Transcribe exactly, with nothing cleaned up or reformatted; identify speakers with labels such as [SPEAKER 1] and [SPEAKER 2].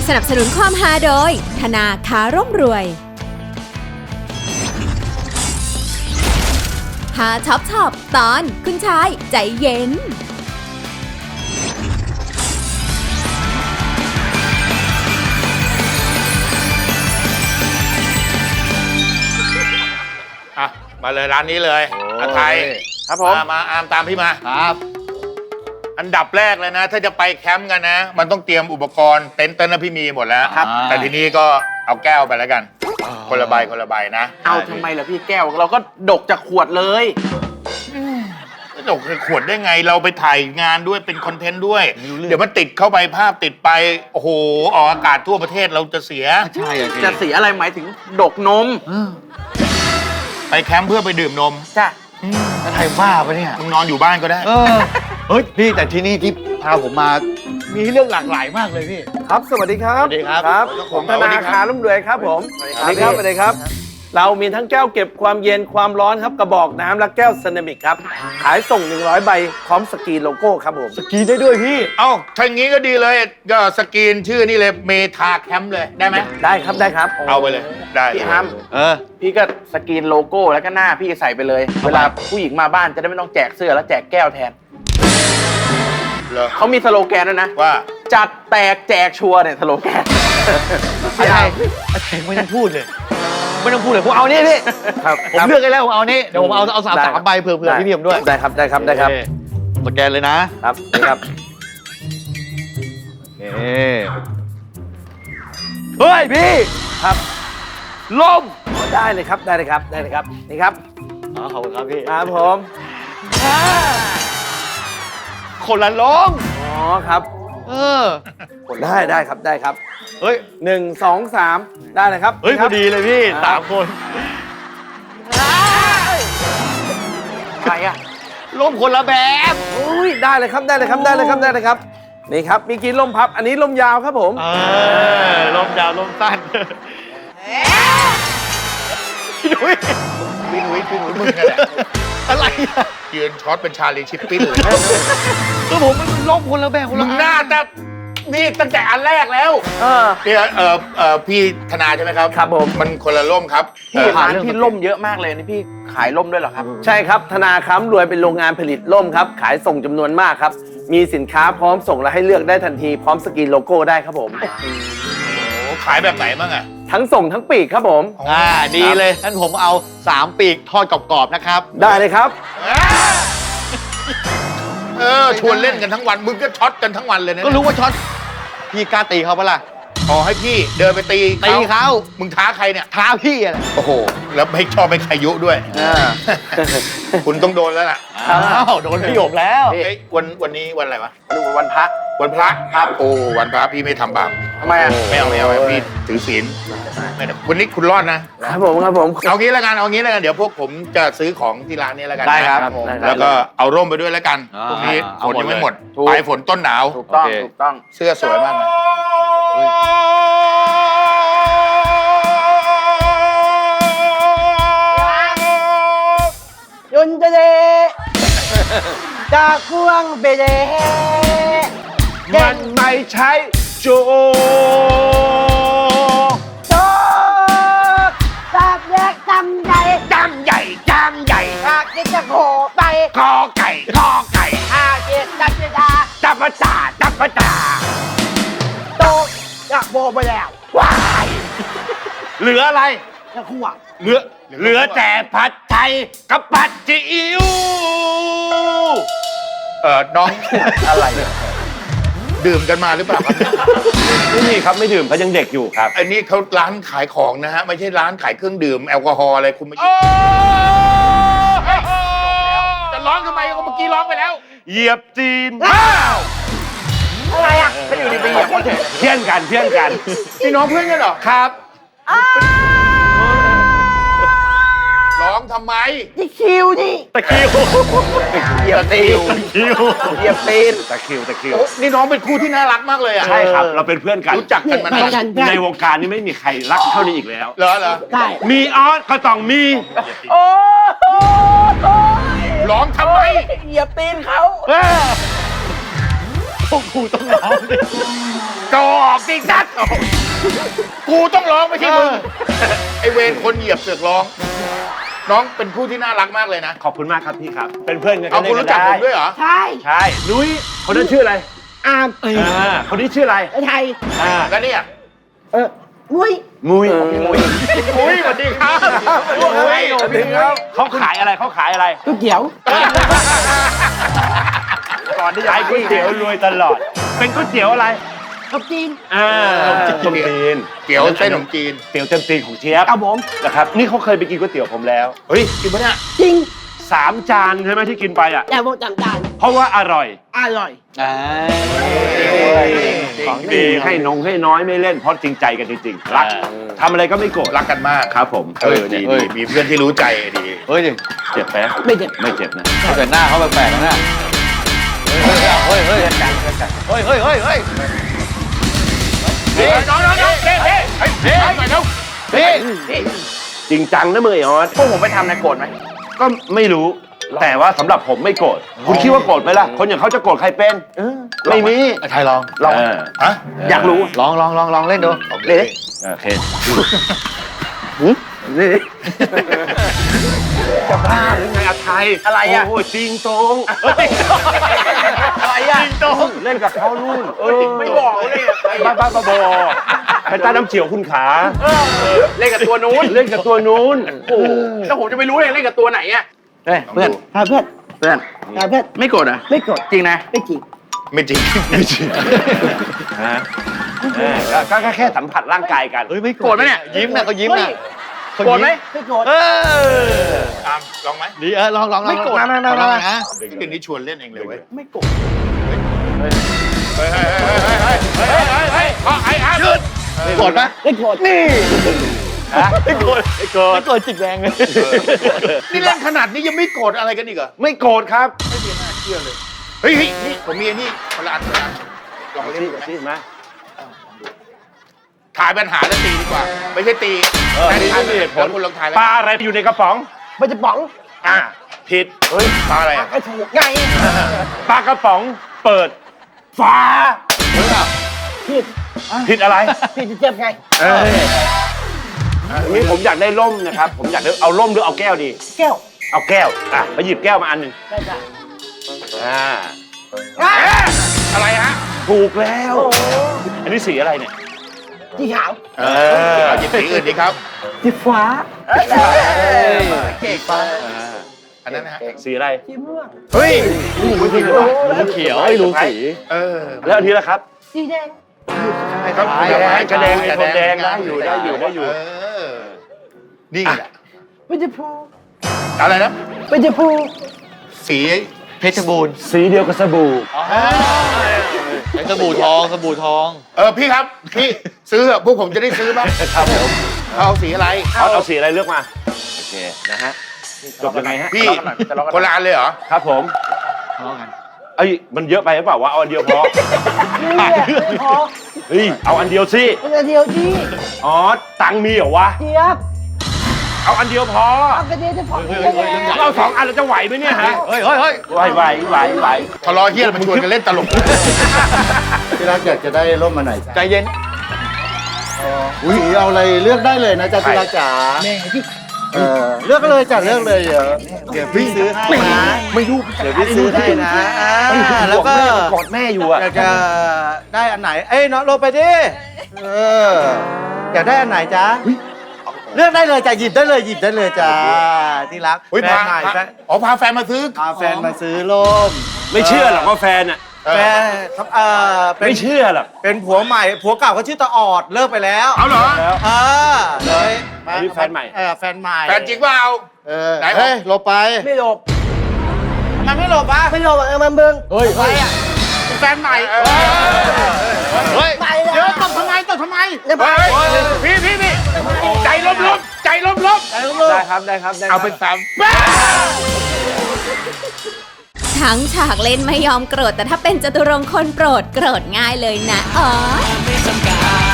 [SPEAKER 1] สนับสนุนความฮาโดยธนาคารร่ำรวยฮาช็อปช็อปตอนคุณชายใจเย็น
[SPEAKER 2] อ่ะมาเลยร้านนี้เลยอาไทยครับผมมาอามตามพี่มาครับอันดับแรกเลยนะถ้าจะไปแคมป์กันนะมันต้องเตรียมอุปกรณ์เต็นท์เต็นท์นะพี่มีหมดแล้วครับแต่ทีนี้ก็เอาแก้วไปแล้วกันคนละใบคนละใบนะ
[SPEAKER 3] เอาทำไมล่ะพี่แก้วเราก็ดกจากขวดเลย
[SPEAKER 2] ดกขวดได้ไงเราไปถ่ายงานด้วยเป็นคอนเทนต์ด้วยเดี๋ยวมันติดเข้าไปภาพติดไปโอ้โหออกอากาศทั่วประเทศเราจะเสีย
[SPEAKER 3] ใช่จะเสียอะไรหมายถึงดกนม
[SPEAKER 2] ไปแคมป์เพื่อไปดื่มนม
[SPEAKER 3] จ้ะ
[SPEAKER 4] แล้วไทยบ้าปะเนี่ย
[SPEAKER 2] มึงนอนอยู่บ้านก็ได้
[SPEAKER 4] เออเฮ้ยพี่แต่ที่นี่ที่พาผมมามีเรื่องหลากหลายมากเลยพี่
[SPEAKER 5] ครับสวัสดีครับ
[SPEAKER 4] สวัสดีครับ
[SPEAKER 5] ครับผมธนาคารร่ำรวยครับผมสวัสดีครับสวัสดีครับเรามีทั้งแก้วเก็บความเย็นความร้อนครับกระบอกน้ำและแก้วเซรามิกครับขายส่งหนึ่งร้อยใบพร้อมสกรีนโลโก้ครับผม
[SPEAKER 4] สกรีนได้ด้วยพี่
[SPEAKER 2] เอ้าถ้าอย่างงี้ก็ดีเลยก็สกรีนชื่อนี่เลยเมทาแคมป์เลยได้ไหม
[SPEAKER 5] ได้ครับได้ครับ
[SPEAKER 2] เอาไปเลยได้
[SPEAKER 3] พี่ฮัมเออพี่ก็สกรีนโลโก้แล้วก็หน้าพี่ใส่ไปเลยเวลาผู้หญิงมาบ้านจะได้ไม่ต้องแจกเสื้อแล้วแจกแก้วแทนเขามีสโลแกนด้วยนะ
[SPEAKER 2] ว่า
[SPEAKER 3] จัดแตกแจกชัวร์เนี่ยสโลแกน
[SPEAKER 4] อะไรไม่ต้องพูดเลยไม่ต้องพูดเลยผมเอานี่พี่ผมเลือกได้แล้วผมเอานี่เดี๋ยวผมเอาเอาสามสามใบเผื่อเผื่อพี่เพียมด้วย
[SPEAKER 5] ได้ครับได้ครับได้ครับ
[SPEAKER 4] สแกนเลยนะครับ
[SPEAKER 5] นี่ครับ
[SPEAKER 4] เฮ้ยพี่
[SPEAKER 5] ครับ
[SPEAKER 4] ล่ม
[SPEAKER 5] ได้เลยครับได้เลยครับได้เลยครับนี่ครับ
[SPEAKER 4] อ๋อขอบคุณครับพี่
[SPEAKER 5] ครับผม
[SPEAKER 4] คนละล้ม
[SPEAKER 5] อ๋อครับ
[SPEAKER 4] เออ
[SPEAKER 5] ได้ได้ครับได้ครับ
[SPEAKER 4] เฮ้ย
[SPEAKER 5] หนึ่งสองสามได้เลยครับ
[SPEAKER 4] เฮ้ยพอดีเลยพี่สามคน
[SPEAKER 3] ใครอะ
[SPEAKER 4] ล่มคนละแบบ
[SPEAKER 5] อุ้ยได้เลยครับได้เลยครับได้เลยครับได้เลยครับนี่ครับมีกี่ล่มพับอันนี้ล่มยาวครับผม
[SPEAKER 4] เออล่มยาวล่มสั้นพี่หนุ่ย
[SPEAKER 2] พี่หนุ่ยพี่หนุ่ยมึงนั่นแหละ
[SPEAKER 4] อะไร
[SPEAKER 2] ยืนช็อตเป็นชาลีชิปปิ้นเลย
[SPEAKER 4] ก็ผมมันล่มคนละแบบคนละ
[SPEAKER 2] หน้าแต่นี่ตั้งแต่อันแรกแล้ว
[SPEAKER 5] เออ
[SPEAKER 2] เนี่ยเออเออพี่ธนาใช่ไหมครับ
[SPEAKER 5] ครับผม
[SPEAKER 2] มันคนละล่มครับ
[SPEAKER 3] พี่ร้านพี่ล่มเยอะมากเลยนี่พี่ขายล่มด้วยเหรอครับ
[SPEAKER 5] ใช่ครับธนาคารรวยเป็นโรงงานผลิตล่มครับขายส่งจำนวนมากครับมีสินค้าพร้อมส่งและให้เลือกได้ทันทีพร้อมสกรีนโลโก้ได้ครับผม
[SPEAKER 2] โอ้ขายแบบไหนบ้างอะ
[SPEAKER 5] ทั้งส่งทั้งปีกครับผม
[SPEAKER 4] อ่าดีเลยงั้นผมเอาสามปีกทอดกรอบๆนะครับ
[SPEAKER 5] ได้เลยครับ
[SPEAKER 2] เออชวนเล่นกันทั้งวันมึงก็ช็อตกันทั้งวันเลยนะ
[SPEAKER 4] ก็รู้ว่าช็อตพี่กล้าตีเขาปะล่ะ
[SPEAKER 2] ขอให้พี่เดินไปตี
[SPEAKER 4] ตีเขา
[SPEAKER 2] มึงท้าใครเนี่ย
[SPEAKER 4] ท้าพี่อะไร
[SPEAKER 2] โอ้โหแล้วไม่ชอบไม่ใครยุด้วยคุณต้องโดนแล้วล่ะ
[SPEAKER 4] อ้าวโดนพี่หยกแล้ว
[SPEAKER 2] วันวันนี้วันอะไรวะ
[SPEAKER 3] วันพระ
[SPEAKER 2] วันพระครับโอ้วันพระพี่ไม่ทำบาป
[SPEAKER 3] ทำไมอ่ะ
[SPEAKER 2] ไม่เอาไม่เอาพี่ถือศีลวันนี้คุณรอดนะครับ
[SPEAKER 5] ผมครับผม
[SPEAKER 2] เอางี้แล้วกันเอางี้แล้วกันเดี๋ยวพวกผมจะซื้อของที่ร้านนี้แล้วกัน
[SPEAKER 4] ได้ครับ
[SPEAKER 2] แล้วก็เอาร่มไปด้วยแล้วกันพรุ่งนี้ฝนยังไม่หมดปลายฝนต้นหนาว
[SPEAKER 3] ถูกต้องถูกต้อง
[SPEAKER 2] เสื้อสวยมากนะ
[SPEAKER 5] ยุนจะเดจากพวงเบเด
[SPEAKER 2] มันไม่ใช่โจ
[SPEAKER 5] โจตากแยกจำใหญ่
[SPEAKER 2] จำใหญ่จำใหญ่
[SPEAKER 5] หากจะจะโผไป
[SPEAKER 2] คอไก่คอไก่
[SPEAKER 5] หากจะจับจะดา
[SPEAKER 2] จับปะจ่าจับปะจ่า
[SPEAKER 5] โตอยากโบไปแล้ว
[SPEAKER 2] ว้ายเหลืออะไร
[SPEAKER 5] จะขวาง
[SPEAKER 2] เหลือเหลือแต่ผัดไทยกับผัดซีอิ๊วเออน้อง
[SPEAKER 5] อะไร
[SPEAKER 2] ดื่มกันมาหรือเปล่าครับ
[SPEAKER 5] ไม่มีครับไม่ดื่มเขายังเด็กอยู่ครับ
[SPEAKER 2] อันนี้เขาร้านขายของนะฮะไม่ใช่ร้านขายเครื่องดื่มแอลกอฮอล์อะไรคุณไม่จะร้องทำไมก็เมื่อกี้ร้องไปแล้ว
[SPEAKER 4] เหยียบจีน
[SPEAKER 5] อะไรอ่ะ
[SPEAKER 3] ไม่อยู่ดีไปเหยียบเขาเฉย
[SPEAKER 5] เที่ยงกันเที่ยงกัน
[SPEAKER 2] พี่น้องเพื่อนกันเหรอ
[SPEAKER 5] ครับ
[SPEAKER 2] ร้องทำไม
[SPEAKER 5] ตะคิวนี่
[SPEAKER 4] ตะคิว
[SPEAKER 5] เหยียบตีน
[SPEAKER 4] ตะคิว
[SPEAKER 5] เหยียบตีน
[SPEAKER 4] ตะคิวตะคิว
[SPEAKER 2] นี่น้องเป็นคู่ที่น่ารักมากเลยอ่ะ
[SPEAKER 4] ใช่ครับเราเป็นเพื่อนกัน
[SPEAKER 2] รู้จักกันมานาน
[SPEAKER 4] ในวงการนี้ไม่มีใครรักเท่านี้อีกแล้ว
[SPEAKER 2] เหรอเหรอ
[SPEAKER 5] ใช่
[SPEAKER 4] มีออสก็ต้องมี
[SPEAKER 5] โอ้
[SPEAKER 2] ร้องทำไม
[SPEAKER 5] เหยียบตีนเขา
[SPEAKER 4] พวกกูต้องร้องดิ
[SPEAKER 2] ก็ออกสิจัดกูต้องร้องไม่ใช่มึงไอเวรคนเหยียบเสือกร้อง น้องเป็นผู้ที่น่ารักมากเลยนะ
[SPEAKER 5] ขอบคุณมากครับพี่ครับ เป็นเพื่อนกัน
[SPEAKER 2] เอาคุณรู้จักผมด้วยเหรอ
[SPEAKER 6] ใช่
[SPEAKER 5] ใช่นุ้ยคนนั้นชื่ออะไร
[SPEAKER 6] อาม
[SPEAKER 5] อ่าคนนี้ชื่ออะไร
[SPEAKER 6] ไอ้ไทย
[SPEAKER 5] อ่า
[SPEAKER 2] แล้วเนี่ย
[SPEAKER 6] เออมุ้ย
[SPEAKER 5] มุ้ย
[SPEAKER 2] อุ้ยสวัสดีครับอุ้ยสวัสดีครับ
[SPEAKER 5] เขาขายอะไรเขาขายอะไร
[SPEAKER 6] ก๋วยเตี๋ยว
[SPEAKER 5] ก่อนที่จะขายก๋วยเตี๋ยวรวยตลอด เป็นก๋วยเตี๋ยวอะไร
[SPEAKER 6] กับจีน
[SPEAKER 5] อ่าต้มตีน
[SPEAKER 2] เตี๋ยวเส้นขนมจีน
[SPEAKER 5] เตี๋ยวเต็มตีนของเชียบ
[SPEAKER 6] เอาผม
[SPEAKER 5] นะครับนี่เขาเคยไปกินก๋วยเตี๋ยวผมแล้ว
[SPEAKER 2] เฮ้ยกินปะเนี่ย
[SPEAKER 6] จริง
[SPEAKER 5] สามจานใช่ไหมที่กินไปอ่ะ
[SPEAKER 6] แต่ผมจำจาน
[SPEAKER 5] เพราะว่าอร่อย
[SPEAKER 6] อร่อย
[SPEAKER 5] ของดีให้นงให้น้อยไม่เล่นเพราะจริงใจกันจริงๆรักทำอะไรก็ไม่โกรธ
[SPEAKER 2] รักกันมาก
[SPEAKER 5] ครับผม
[SPEAKER 2] เออดีดีมีเพื่อนที่รู้ใจดี
[SPEAKER 4] เฮ้ยดิ
[SPEAKER 5] เจ็บไหม
[SPEAKER 6] ไม่เจ็บ
[SPEAKER 5] ไม่เจ็บนะ
[SPEAKER 4] เขาแต่หน้าเขาแปลกๆนะเฮ้ยเฮ้ยเฮ้ยเฮ้ยเฮ้ยเฮ้ยเฮ้ย
[SPEAKER 2] เฮ้ยน้องน้องน้องเฮ้ยเฮ้ยเฮ้ยเฮ้ยหน่อยเร็ว
[SPEAKER 4] พี่
[SPEAKER 5] จริงจังนะมือไอ้ออส
[SPEAKER 3] พวกผมไปทำในโกรธไหม
[SPEAKER 5] ก็ไม่รู้ แต่ว่าสำหรับผมไม่โกรธคุณคิดว่าโกรธไหมล่ะ คนอย่างเขาจะโกรธใครเป็นไม่มี
[SPEAKER 4] ไทยลอง
[SPEAKER 5] ลอง
[SPEAKER 2] ฮะ
[SPEAKER 3] อยากรู้
[SPEAKER 4] ลองลองลองลองเล่นดู
[SPEAKER 2] เลย
[SPEAKER 5] โอเค
[SPEAKER 3] นี่
[SPEAKER 5] จะบ้าหรือไงอาไทย
[SPEAKER 3] อะไรอะ
[SPEAKER 5] โอ้จริงตรง
[SPEAKER 3] อะไรอ่ะ
[SPEAKER 5] จริงตรงเล่นกับเขานู่นเออ
[SPEAKER 3] ไม่บอกเลยอะ
[SPEAKER 5] บ้าบ้าบ้าบอแพนต้าน้ำเฉียวคุณขา
[SPEAKER 3] เล่นกับตัวนู้น
[SPEAKER 5] เล่นกับตัวนู้น
[SPEAKER 3] โอ้โหแล้วผมจะไม่รู้เลยเล่นกับตัวไหนอ่ะเฮ้ยเพื่อน
[SPEAKER 6] พาเพื่อน
[SPEAKER 3] เพื่อน
[SPEAKER 6] พาเพื่อน
[SPEAKER 3] ไม่โกรธอ่ะ
[SPEAKER 6] ไม่โกรธ
[SPEAKER 3] จริงนะ
[SPEAKER 6] ไม่จริง
[SPEAKER 2] ไม่จริงไม่จริง
[SPEAKER 5] ฮะเออก็ก็แค่สัมผัสร่างกายกัน
[SPEAKER 4] เฮ้ยไม่
[SPEAKER 3] โกรธไหมเนี่ย
[SPEAKER 4] ยิ้มนะเขายิ้มนะ
[SPEAKER 3] โกรธไหม
[SPEAKER 6] ไม่โกรธ
[SPEAKER 4] เออ
[SPEAKER 2] ตามลองไหม
[SPEAKER 4] ดีเออลองลองลอง
[SPEAKER 3] ไม่โกรธ
[SPEAKER 4] ลองลองนะ
[SPEAKER 2] ที่คืนนี้ชวนเล่นเองเลยเว้ย
[SPEAKER 3] ไม่โกรธ
[SPEAKER 2] เฮ้ยเฮ้ยเฮ้ยเฮ้ยเฮ้ยเฮ้ยเฮ้ยเฮ้ยไอ้อาหยุด
[SPEAKER 4] โกรธไหม
[SPEAKER 6] ไม่โกรธ
[SPEAKER 5] นี่ไม่โกรธไม่โกรธ
[SPEAKER 4] ไม่โกรธจิกแรงเลย
[SPEAKER 2] นี่เล่นขนาดนี้ยังไม่โกรธอะไรกันอีกเหรอ
[SPEAKER 5] ไม่โกรธครับ
[SPEAKER 2] ไม่มีน่าเชื่อเลยเฮ้ยเฮ้ยนี่ผมมีไอ้นี่คนละอันคนละอันลองเล่น
[SPEAKER 5] ที่
[SPEAKER 2] ดูไหม
[SPEAKER 5] ที่มา
[SPEAKER 2] ถ่ายปัญหาแล้วตีดีกว่า ไม่ใช่ตี
[SPEAKER 5] เออ
[SPEAKER 2] แต่ถ่าย
[SPEAKER 5] นี่เหตุผล
[SPEAKER 2] แล้วคุณลองถ่ายแล้ว
[SPEAKER 5] ปลาอะไรอยู่ในกระป๋อง
[SPEAKER 6] มันจะป๋อง
[SPEAKER 5] อ่าผิด
[SPEAKER 2] เฮ้ยปลาอะไรอ่ะ
[SPEAKER 6] ไอ้ถูกไง
[SPEAKER 5] ปลากระป๋องเปิดฝา
[SPEAKER 6] ผิด
[SPEAKER 5] ผิดอะไร
[SPEAKER 6] ผิดจะเจ็บไง
[SPEAKER 5] นี่ผมอยากได้ร่มนะครับ ผมอยากได้เอาร่มหรือเอาแก้วดี
[SPEAKER 6] แก้ว
[SPEAKER 5] เอาแก้ว อ่ะมาหยิบแก้วมาอันหนึ่ง
[SPEAKER 6] ได้จ้ะ
[SPEAKER 5] อ่า
[SPEAKER 2] เอ๊ะอะไรฮะ
[SPEAKER 5] ถูกแล้ว
[SPEAKER 6] โอ้โห
[SPEAKER 5] อันนี้สีอะไรเนี่ย
[SPEAKER 6] สีขาว
[SPEAKER 2] เออเอาหยิบสีอื่นดีครับ
[SPEAKER 6] สีฟ้า
[SPEAKER 2] เก่งปะอันนั้นนะฮะ
[SPEAKER 5] สีอะไร
[SPEAKER 6] สีม่วง
[SPEAKER 2] เฮ้ย
[SPEAKER 5] ไม่ผิดหรอ
[SPEAKER 4] เขียวไอ้รู้สี
[SPEAKER 2] เออ
[SPEAKER 5] แล้วอันนี้ล่ะครับ
[SPEAKER 6] สีแดง
[SPEAKER 2] ครับ
[SPEAKER 5] แดงกระแดงไอ้คนแดงได้อยู่ได้อยู่ได้อยู่
[SPEAKER 2] เออนี่แหละ
[SPEAKER 6] ไม่จะพู
[SPEAKER 2] อะไรนะ
[SPEAKER 6] ไม่จะพู
[SPEAKER 2] สี
[SPEAKER 4] เพชรบูรณ์
[SPEAKER 5] สีเดียวกับสบู่
[SPEAKER 4] ไอ้สบู่ทองสบู่ทอง
[SPEAKER 2] เออพี่ครับพี่ซื้อเถอะพวกผมจะได้ซื้อบ้าง
[SPEAKER 5] ครับผม
[SPEAKER 2] เอาสีอะไร
[SPEAKER 5] เอาเอาสีอะไรเลือกมา โอเค นะฮะ จบยังไงฮะ
[SPEAKER 2] พี่คนละอันเลยเหรอ
[SPEAKER 5] ครับผม
[SPEAKER 4] ทองกัน
[SPEAKER 5] เอ้ย มันเยอะไปหรือเปล่าวะ เอาอันเดียวพอ
[SPEAKER 6] นี่แหละไม่พอ
[SPEAKER 5] เฮ้ย เอาอันเดียวสิ
[SPEAKER 6] มันจะเดียวที่
[SPEAKER 5] อ๋อ ตังค์มีเหรอวะ
[SPEAKER 6] เจี๊ยบ
[SPEAKER 5] เอาอันเดียวพอ
[SPEAKER 6] เอากระเดียวจะพอ
[SPEAKER 4] เฮ้ย
[SPEAKER 6] ได้
[SPEAKER 4] เฮ้ยเฮ้ย
[SPEAKER 6] ไง
[SPEAKER 5] เอาสองอันแล้วจะไหวไหมเนี่ยฮะ
[SPEAKER 4] เฮ้ยเฮ้ยเฮ้ย
[SPEAKER 5] ไหวไหวไหวไหว
[SPEAKER 2] ทะเลาะเฮี้ยมันชวนกันเล่นตลก
[SPEAKER 7] ที่รักอยากจะได้ร่มมาไหนจ๊ะ
[SPEAKER 4] ใจเย็น
[SPEAKER 7] อุ้ยเอาอะไรเลือกได้เลยนะจ๊ะที่รักจ๋า
[SPEAKER 6] แม่ที่
[SPEAKER 7] เออเลือกเลยจ้ะเลือกเลยเดี๋ยวเดี๋ยวพี่ซื้อให้นะ
[SPEAKER 5] ไม่รู้
[SPEAKER 7] เดี๋ยวพี่ซื้อให้นะอ่าแล้วก็
[SPEAKER 5] กอดแม่อยู่อะ
[SPEAKER 7] อยากจะได้อันไหน เอ้ยน้องโรไปดิเอออยากได้อันไหนจ๊ะเลือกได้เลยจ้ะหยิบได้เลยหยิบได้เลยจ้ะที่รัก
[SPEAKER 2] อุ้ย
[SPEAKER 7] แฟ
[SPEAKER 2] พาน
[SPEAKER 7] ใหม่
[SPEAKER 2] พา
[SPEAKER 7] แฟน
[SPEAKER 2] อ๋อพาแฟนมาซื้อ
[SPEAKER 7] พาแฟนมาซื้อร่ม
[SPEAKER 5] ไม่เชื่อหรอกว่าแฟนอะ
[SPEAKER 2] เออ
[SPEAKER 7] แฟนครับเออเป็น
[SPEAKER 5] ไม่เชื่อหรอก
[SPEAKER 7] เป็นผัวใหม่ผัวเก่าเขาชื่อตาออดเลิกไปแล้ว
[SPEAKER 2] เอาเหรอ
[SPEAKER 5] แล้ว
[SPEAKER 7] เออเลย
[SPEAKER 5] อันนี้แฟนใหม่
[SPEAKER 7] เออแฟนใหม่
[SPEAKER 2] แฟนจริงเปล่า
[SPEAKER 7] เออ
[SPEAKER 2] ไหน
[SPEAKER 7] เฮ้ยหลบไป
[SPEAKER 6] ไม่หลบ
[SPEAKER 7] ทำไมไม่หลบอ่ะ
[SPEAKER 6] ไม่หลบเออมันเบิ่ง
[SPEAKER 4] เฮ้ย
[SPEAKER 7] ไปอ่ะเป็นแฟนใหม่
[SPEAKER 2] เออ
[SPEAKER 4] เฮ้ย
[SPEAKER 6] ไปเลย
[SPEAKER 7] เดี๋ยวตบทำไมตบทำไม
[SPEAKER 6] เดี๋ยวไป
[SPEAKER 2] เฮ้ยพี่พี่พี่ใจล้มล้มใจล้มล้ม
[SPEAKER 5] ได้ครับ ได้ครับ ได้ครั
[SPEAKER 2] เอา
[SPEAKER 5] บ
[SPEAKER 2] เป็นสาม
[SPEAKER 1] ทั้งฉากเล่นไม่ยอมโกรธแต่ถ้าเป็นจตุรงค์คนโปรดโกรธง่ายเลยนะอ๋อ